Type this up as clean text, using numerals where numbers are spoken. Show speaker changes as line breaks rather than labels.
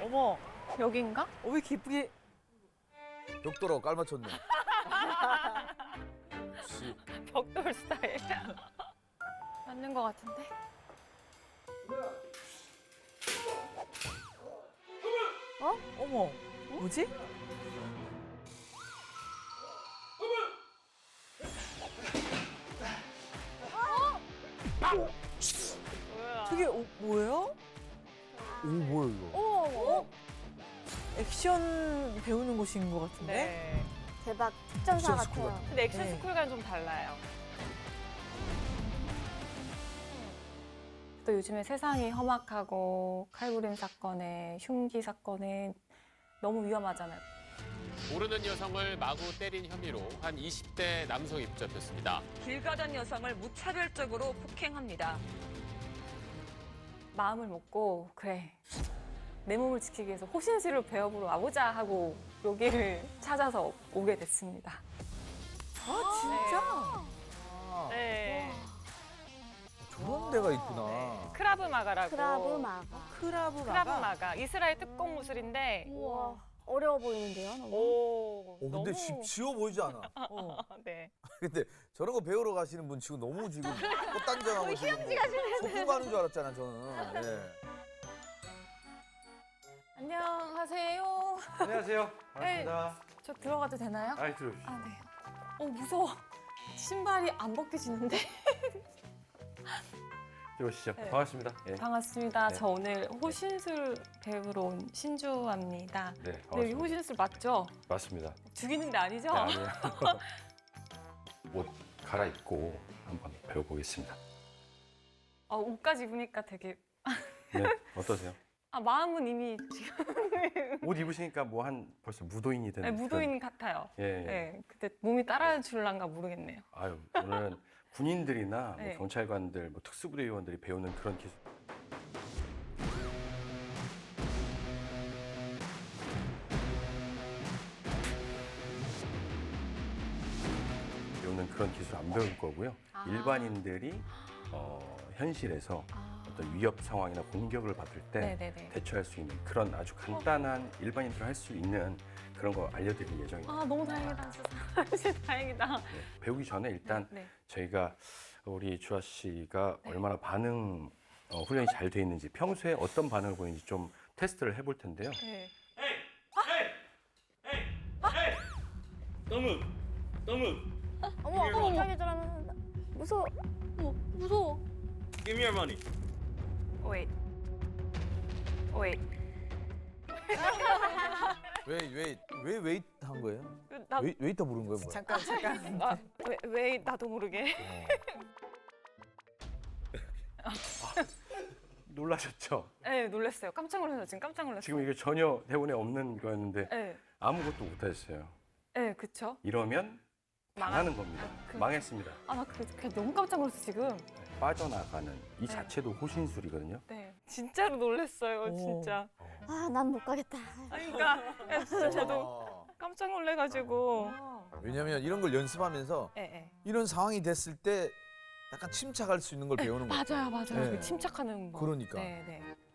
어머, 여긴가?
왜 이렇게 예쁘게.
벽돌하고 깔맞췄네. 역시.
벽돌 스타일. 맞는 것 같은데?
어머, 뭐지? 저게 뭐예요?
오, 뭐야, 이거?
어머, 액션 배우는 곳인 것 같은데?
네.
대박 특전사
액션 스쿨
같아요.
같아.
근데 액션
네.
스쿨과는 좀 달라요. 또 요즘에 세상이 험악하고 칼부림 사건에 흉기 사건에 너무 위험하잖아요.
모르는 여성을 마구 때린 혐의로 한 20대 남성이 붙잡혔습니다.
길 가던 여성을 무차별적으로 폭행합니다.
마음을 먹고 그래 내 몸을 지키기 위해서 호신술을 배워보러 와보자 하고 여기를 찾아서 오게 됐습니다.
아, 진짜?
네.
저런 데가 있구나.
크라브 마가라고.
크라브 마가.
크라브
크라브
마가?
마가. 이스라엘 특공 무술인데.
우와 어려워 보이는데요. 너무.
오.
근데
너무.
쉬워 보이지 않아.
네.
근데 저런 거 배우러 가시는 분 지금 너무 지금 꽃단장하고 지금 소풍 가는 줄 알았잖아, 저는. 예.
안녕하세요.
안녕하세요. 반갑습니다.
저 들어가도 되나요?
아이 들어오시죠.
아, 네. 무서워. 신발이 안 벗겨지는데.
들어오시죠.
네.
반갑습니다. 예.
반갑습니다.
네.
저 오늘 호신술 배우러 온 신주입니다.
네,
네, 여기
반갑습니다.
호신술 맞죠?
맞습니다.
죽이는 데 아니죠?
네, 아니에요. 옷 갈아입고 한번 배워보겠습니다.
옷까지 입으니까 되게
네, 어떠세요?
마음은 이미 지금
옷 입으시니까 뭐 한 벌써 무도인이 되는
무도인 같아요.
그런- 예, 예.
네, 근데 몸이 따라줄란가 모르겠네요.
아유, 오늘은 군인들이나
네.
뭐 경찰관들, 뭐 특수부대 요원들이 배우는 그런 기술. 배우는 그런 기술 안 배울 거고요.
아.
일반인들이 현실에서 어떤 위협 상황이나 공격을 받을 때
네네네.
대처할 수 있는 그런 아주 간단한 일반인들 할 수 있는 그런 거 알려드릴 예정입니다.
너무 다행이다. 진짜 다행이다.
네, 배우기 전에 일단
네.
저희가 우리 주아 씨가 얼마나 반응 훈련이 잘 돼 있는지 평소에 어떤 반응을 보이는지 좀 테스트를 해볼 텐데요.
네.
어머 갑자기 저러면 무서워. 무서워.
Give me your money.
Wait. Wait.
왜 웨이트 한 거예요?
나,
웨이터 부른 거예요, 뭐야?
잠깐.
왜 나도 모르게.
놀라셨죠?
네, 놀랐어요. 깜짝 놀랐어요. 지금 깜짝 놀랐어요.
지금 이게 전혀 대본에 없는 거였는데
네.
아무것도 못하셨어요.
네, 그쵸?
이러면 망하는 겁니다. 망했습니다.
나 그냥 너무 깜짝 놀랐어, 지금.
빠져나가는 이 자체도 호신술이거든요.
네. 진짜로 놀랐어요,
오.
진짜.
아 난 못 가겠다.
그러니까 진짜 저도 깜짝 놀래가지고.
왜냐면 이런 걸 연습하면서
네.
이런 상황이 됐을 때 약간 침착할 수 있는 걸 배우는 거예요.
맞아요.
네.
그 침착하는 거.
그러니까.
네.